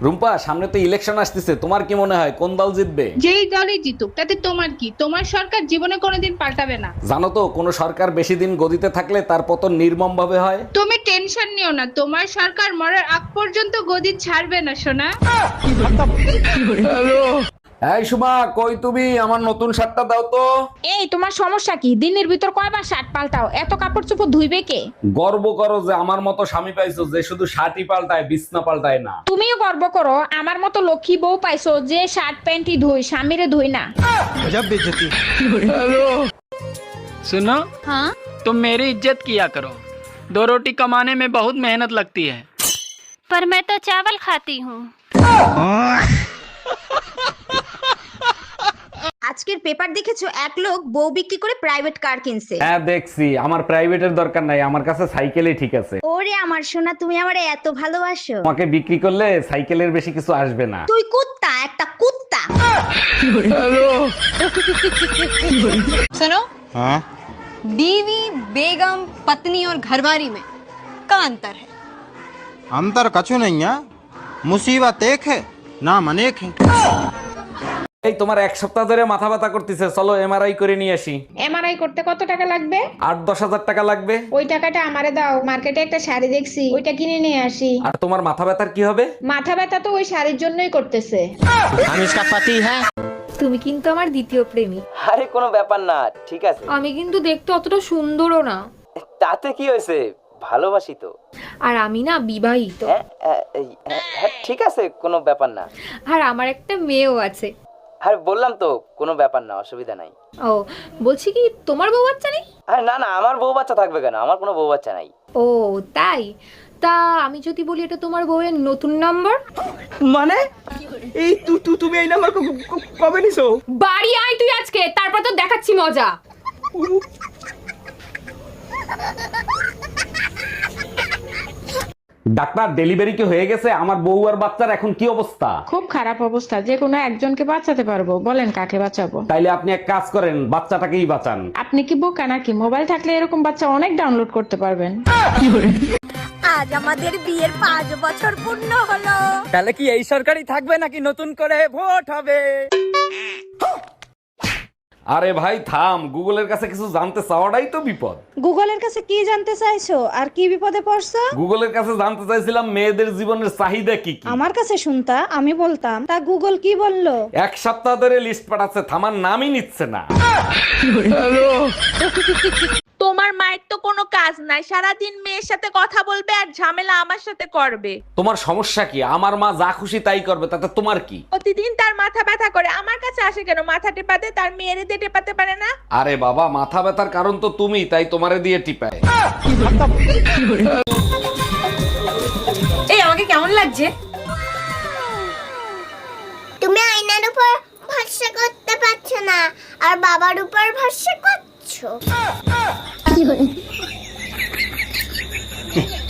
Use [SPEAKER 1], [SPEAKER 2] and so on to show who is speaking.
[SPEAKER 1] রুম্পা, সামনে তো ইলেকশন আসতেছে, তোমার কি মনে হয় কোন দল জিতবে?
[SPEAKER 2] যেই দলই জিতুক তাতে তোমার কি? তোমার সরকার জীবনে কোনোদিন পাল্টাবে না।
[SPEAKER 1] জানো তো, কোন সরকার বেশি দিন গদিতে থাকলে তার পতন নির্মম ভাবে হয়।
[SPEAKER 2] তুমি টেনশন নিও না, তোমার সরকার মরার আগ পর্যন্ত গদি ছাড়বে না সোনা।
[SPEAKER 1] এই সুমা, কই তুমি? আমার নতুন শার্টটা দাও তো।
[SPEAKER 3] এই তোমার সমস্যা কি? দিনের ভিতর কয়বার শার্ট পাল্টাও? এত কাপড় চোপড় ধুইবে কে?
[SPEAKER 1] গর্ব করো যে আমার মতো স্বামী পাইছো, যে শুধু শার্টই পাল্টায়, বিছনা পাল্টায় না।
[SPEAKER 3] তুমিও গর্ব করো আমার মতো লক্ষ্মী বউ পাইছো যে শার্ট প্যান্টই ধুই, স্বামীরে ধুই না।
[SPEAKER 4] सुनो,
[SPEAKER 2] हाँ
[SPEAKER 4] तुम मेरी इज्जत किया करो। 2 रोटी कमाने में बहुत मेहनत लगती है।
[SPEAKER 5] पर मैं तो चावल खाती हूँ।
[SPEAKER 6] আজকের পেপার দেখেছো, এক লোক বউ বিক্রি করে প্রাইভেট কার কিনছে।
[SPEAKER 1] হ্যাঁ দেখছি, আমার প্রাইভেটের দরকার নাই, আমার কাছে সাইকেলই ঠিক আছে।
[SPEAKER 6] ওরে আমার সোনা, তুমি আমারে এত ভালোবাসো।
[SPEAKER 1] তোমাকে বিক্রি করলে সাইকেলের বেশি কিছু আসবে না।
[SPEAKER 6] তুই কুত্তা, একটা কুত্তা।
[SPEAKER 7] सुनो,
[SPEAKER 8] हाँ?
[SPEAKER 7] बीवी, बेगम, पत्नी और घरवारी में का अंतर है?
[SPEAKER 8] अंतर कछु नहीं है, मुसीबत एक है, नाम अनेक है।
[SPEAKER 1] এই তোমার এক সপ্তাহ ধরে মাথা ব্যথা করতেছে, চলো এমআরআই করে নিয়ে আসি।
[SPEAKER 3] এমআরআই করতে কত টাকা লাগবে?
[SPEAKER 1] 8-10 হাজার টাকা লাগবে।
[SPEAKER 3] ওই টাকাটা আমারে দাও, মার্কেটে একটা শাড়ি দেখছি, ওইটা কিনে নিয়ে আসি।
[SPEAKER 1] আর তোমার মাথা ব্যথার কি হবে?
[SPEAKER 3] মাথা ব্যথা তো ওই শাড়ির জন্যই করতেছে।
[SPEAKER 4] हम इसका पति है।
[SPEAKER 9] তুমি কিন্তু আমার দ্বিতীয় প্রেমিক।
[SPEAKER 10] আরে কোনো ব্যাপার না, ঠিক আছে।
[SPEAKER 9] আমি কিন্তু দেখতে অতটা সুন্দরও না।
[SPEAKER 10] তাতে কি হয়েছে, ভালোবাসি তো।
[SPEAKER 9] আর আমি না বিবাহিত।
[SPEAKER 10] হ্যাঁ ঠিক আছে, কোনো ব্যাপার না।
[SPEAKER 9] আর আমার একটা মেয়েও আছে।
[SPEAKER 10] আরে বললাম তো, কোনো ব্যাপার না, অসুবিধা নাই।
[SPEAKER 9] ও, বলছি কি তোমার বউ বাচ্চা নেই?
[SPEAKER 10] আরে না না, আমার বউ বাচ্চা থাকবে কেন, আমার কোনো বউ বাচ্চা নাই।
[SPEAKER 9] ও তাই? তা আমি যদি বলি এটা তোমার বউয়ের নতুন নাম্বার?
[SPEAKER 4] মানে এই তুমি এই নাম্বার কবে নিছো?
[SPEAKER 9] বাড়ি আয় তুই আজকে, তারপর তো দেখাচ্ছি মজা।
[SPEAKER 1] ডাক্তার, ডেলিভারি কি হয়ে গেছে? আমার বউ আর বাচ্চার এখন কি অবস্থা?
[SPEAKER 3] খুব খারাপ অবস্থা, যে কোনো একজনকে বাঁচাতে পারবো, বলেন কাকে বাঁচাবো?
[SPEAKER 1] তাইলে আপনি এক কাজ করেন, বাচ্চাটাকেই বাঁচান।
[SPEAKER 3] আপনি কি বোকা নাকি? মোবাইল থাকলে এরকম বাচ্চা অনেক ডাউনলোড করতে পারবেন।
[SPEAKER 6] আজ আমাদের বিয়ের 5 বছর পূর্ণ হলো।
[SPEAKER 4] তাহলে কি এই সরকারই থাকবে নাকি নতুন করে ভোট হবে?
[SPEAKER 1] আরে ভাই থাম, গুগলের কাছে কিছু জানতে চাওয়াটাই তো বিপদ।
[SPEAKER 6] গুগলের কাছে কি জানতে চাইছো আর কি বিপদে পড়ছো?
[SPEAKER 1] গুগলের কাছে জানতে চাইছিলাম মেয়েদের জীবনের চাহিদা কি কি।
[SPEAKER 6] আমার কাছে শুনতা, আমি বলতাম, তা গুগল কি বললো?
[SPEAKER 1] এক সপ্তাহ ধরে লিস্ট পাঠাচ্ছে, থামার নামই নিচ্ছে না।
[SPEAKER 2] তোমার মায়ের তো কোনো কাজ নাই, সারাদিন মেয়ের সাথে কথা বলবে আর ঝামেলা আমার সাথে করবে।
[SPEAKER 1] তোমার সমস্যা কি? আমার মা যা খুশি তাই করবে, তাতে তোমার কি?
[SPEAKER 2] প্রতিদিন তার মাথা ব্যথা করে, আমার কাছে আসে কেন? মাথা টেপাতে, তার মেয়েরে দিয়ে টেপাতে পারে না?
[SPEAKER 1] আরে বাবা, মাথা ব্যথার কারণ তো তুমি, তাই তোমারে দিয়ে টিপায়।
[SPEAKER 9] এই আমাকে কেমন লাগছে?
[SPEAKER 6] তুমি আয়নার উপর ভরসা করতে পারছো না আর বাবার উপর ভরসা করছো।